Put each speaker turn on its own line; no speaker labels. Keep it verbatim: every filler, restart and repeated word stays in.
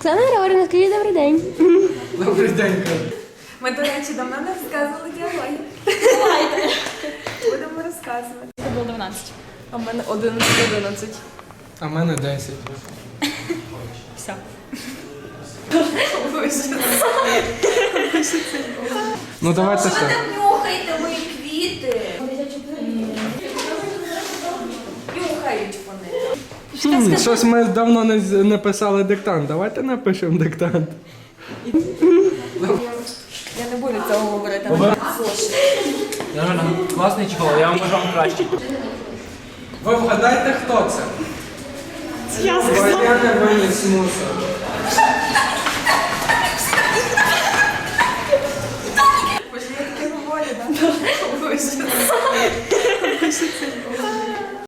Оксана Григорівна, скажіть добрий день.
Добрий день, кажу.
Ми, до речі, давно не розказували діалоги.
Давайте.
Будемо розказувати.
Це було дванадцять.
А в мене одинадцять одинадцять.
А в мене десять.
Все.
Ну давайте
Що ви
ще.
там нюхаєте мої квіти? Нюхають вони.
Хм, щось ми давно не, з- не писали диктант. Давайте напишемо диктант.
Я не буду цього говорити. але зошит.
Ірина, класний чехол, я вам можу вам краще.
Ви вгадайте, хто це?
Я
Валерія виніс мусор.
Боже, я таке говорю, так?